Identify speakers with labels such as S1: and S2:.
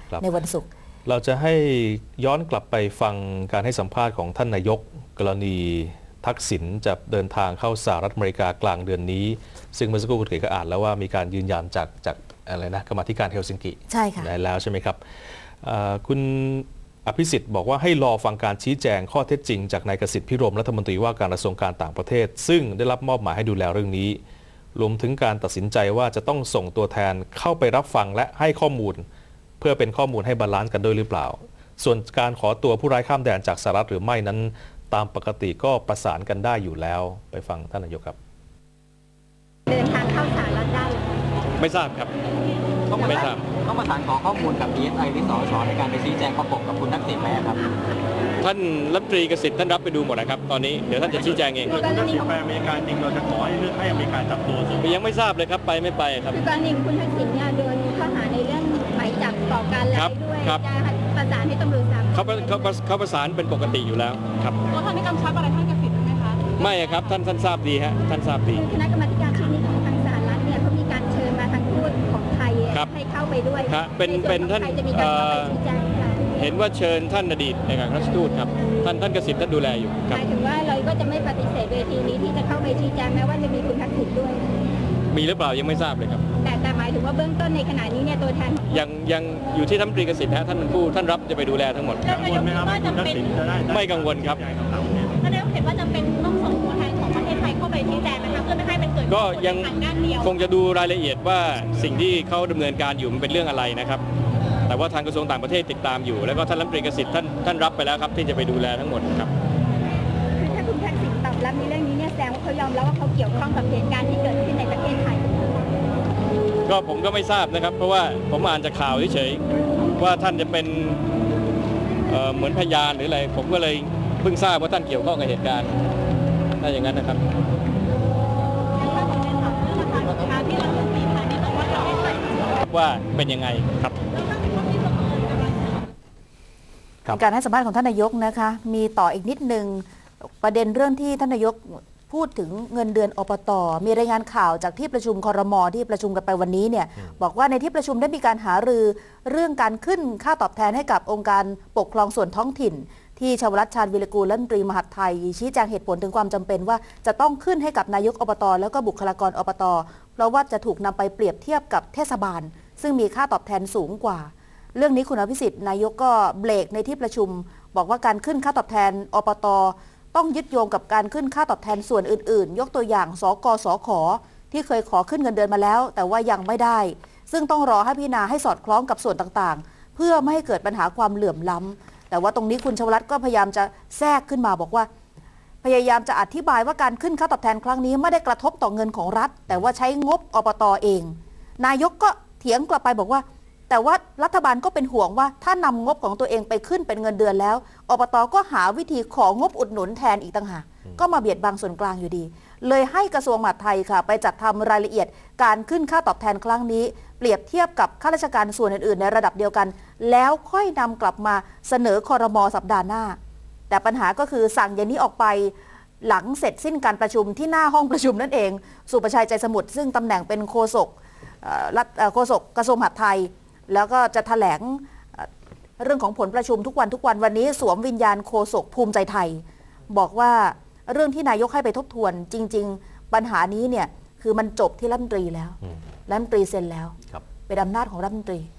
S1: ในวันศุกร์
S2: เราจะให้ย้อนกลับไปฟังการให้สัมภาษณ์ของท่านนายกกรณีทักษิณจะเดินทางเข้าสหรัฐอเมริกากลางเดือนนี้ซึ่งเมื่อสักครู่คุณเก๋ก็อ่านแล้วว่ามีการยืนยันจากอะไรนะกรรมาธิการเฮลซิงกิ
S1: ใช่ค่ะ
S2: ได้แล้วใช่ไหมครับคุณอภิสิทธิ์บอกว่าให้รอฟังการชี้แจงข้อเท็จจริงจากนายกสิทธิ์พิรมรัฐมนตรีว่าการกระทรวงการต่างประเทศซึ่งได้รับมอบหมายให้ดูแลเรื่องนี้รวมถึงการตัดสินใจว่าจะต้องส่งตัวแทนเข้าไปรับฟังและให้ข้อมูลเพื่อเป็นข้อมูลให้บาลานซ์กันด้วยหรือเปล่าส่วนการขอตัวผู้ร้ายข้ามแดนจากสหรัฐหรือไม่นั้นตามปกติก็ประสานกันได้อยู่แล้วไปฟังท่านนายกครับ
S3: เดินทางเข้าสหรัฐได้
S2: ไม่ทราบครับไม่ทราบ
S4: ต้องประสานขอข้อมูลกับ DSI หรือสช.ในการไปชี้แจงประกบกับคุณทักษิณไหมครับ
S2: ท่านรัฐมนตรีเกษตรท่านรับไปดูหมดนะครับตอนนี้เดี๋ยวท่านจะชี้แจงเอง
S5: คือถ้าสิไปอเมริกาจริงเราจะขอให้เลือกให้อเมริกาจับตัว
S2: ยังไม่ทราบเลยครับไปไม่ไปครับ
S3: คือกรณีคุณทักษิณเนี่ยโดนข้อหาในเรื่องหมายจับต่อการร้ายด้วยจะประสานให้ตำรวจทราบ
S2: เขาประสานเป็นปกติอยู่แล้วครับ
S3: ตัวท่านได้กำชับอะไรท่านเกษตรไหมคะ
S2: ไม่ครับท่านทราบดีฮะท่านทราบดี
S3: คณะกรรมการชุดนี้ของทางสหรัฐเนี่ยเขามีการเชิญมาทางทูตของไทยให้เข้าไปด้วย
S2: เป็นท่านเห็นว่าเชิญท่านอดีตในการรัชทูตครับท่านเกษตรท่านดูแลอยู่
S3: หมายถึงว่าเราก็จะไม่ปฏิเสธเวทีนี้ที่จะเข้าไปชี้แจงแม้ว่าจะมีคุณทักษิณด้วย
S2: มีหรือเปล่ายังไม่ทราบเลยครับ
S3: แต่หมายถึงว่าเบื้องต้นในขณะนี้เนี่ยตัวแทน
S2: ยังอยู่ที่ท่านรัฐมนตรีเกษตรท่านเป็นผู้ท่านรับจะไปดูแลทั้งหมด
S5: กังวลไหมครับว่าคุณทักษิณจะได้
S2: ไม่กังวลครับ
S3: ท่านนายกเห็นว่าจำเป็นต้องส่งตัวแทนของประเทศไทยเข้าไปชี้แจงนะคะเพื่อไม่ให้มันเกิด
S2: ก็ยังคงจะดูรายละเอียดว่าสิ่งที่เขาดำเนินการอยู่มันเป็นเรื่องอะไรนะครับแต่ว่าทางกระทรวงต่างประเทศติดตามอยู่แล้วก็ท่านรัฐมนตรีเกษตรท่านรับไปแล้วครับที่จะไปดูแลทั้งหมดครับ
S3: คือถ้าคุณทักษิณตอบรับในเรื่องนี้เนี่ยแสดงว่าเขายอมรับว่าเขาเกี่ยวข้องกับเหตุการณ์ที่เกิดขึ้นในประเทศไทย
S2: ก็ผมก็ไม่ทราบนะครับเพราะว่าผมอ่านจากข่าวเฉยๆว่าท่านจะเป็นเหมือนพยานหรืออะไรผมก็เลยเพิ่งทราบว่าท่านเกี่ยวข้องกับเหตุการณ์ถ้าอย่างนั้นนะครับว่าเป็นยังไงครับ
S1: การให้สัมภาษณ์ของท่านนายกนะคะมีต่ออีกนิดนึงประเด็นเรื่องที่ท่านนายกพูดถึงเงินเดือนอบต.มีรายงานข่าวจากที่ประชุมครม.ที่ประชุมกันไปวันนี้เนี่ยบอกว่าในที่ประชุมได้มีการหารือเรื่องการขึ้นค่าตอบแทนให้กับองค์การปกครองส่วนท้องถิ่นที่ชวรัตน์ ชาญวิรกูลรัฐมนตรีมหาดไทยชี้แจงเหตุผลถึงความจำเป็นว่าจะต้องขึ้นให้กับนายกอบต.แล้วก็บุคลากรอบต.เพราะว่าจะถูกนำไปเปรียบเทียบกับเทศบาลซึ่งมีค่าตอบแทนสูงกว่าเรื่องนี้คุณอภิสิทธิ์นายกก็เบรกในที่ประชุมบอกว่าการขึ้นค่าตอบแทนอบต.ต้องยึดโยงกับการขึ้นค่าตอบแทนส่วนอื่นๆยกตัวอย่างสกสขที่เคยขอขึ้นเงินเดือนมาแล้วแต่ว่ายังไม่ได้ซึ่งต้องรอให้พิจารณาให้สอดคล้องกับส่วนต่างๆเพื่อไม่ให้เกิดปัญหาความเหลื่อมล้ำแต่ว่าตรงนี้คุณชวรัตน์ก็พยายามจะแทรกขึ้นมาบอกว่าพยายามจะอธิบายว่าการขึ้นค่าตอบแทนครั้งนี้ไม่ได้กระทบต่อเงินของรัฐแต่ว่าใช้งบอบต.เองนายกก็เถียงกลับไปบอกว่าแต่ว่ารัฐบาลก็เป็นห่วงว่าถ้านำงบของตัวเองไปขึ้นเป็นเงินเดือนแล้วอบต.ก็หาวิธีของงบอุดหนุนแทนอีกต่างหากก็มาเบียดบังส่วนกลางอยู่ดีเลยให้กระทรวงมหาดไทยค่ะไปจัดทำรายละเอียดการขึ้นค่าตอบแทนครั้งนี้เปรียบเทียบกับข้าราชการส่วนอื่นๆในระดับเดียวกันแล้วค่อยนำกลับมาเสนอครม.สัปดาห์หน้าแต่ปัญหาก็คือสั่งอย่างนี้ออกไปหลังเสร็จสิ้นการประชุมที่หน้าห้องประชุมนั่นเองสุประชัยใจสมุทรซึ่งตำแหน่งเป็นโฆษกกระทรวงมหาดไทยแล้วก็จะแถลงเรื่องของผลประชุมทุกวันวันนี้สวมวิญญาณโฆษกภูมิใจไทยบอกว่าเรื่องที่นายกให้ไปทบทวนจริงๆปัญหานี้เนี่ยคือมันจบที่รัฐมนตรีแล้วรัฐมนตรีเซ็นแล้วเป็นอำนาจของรัฐมนตรี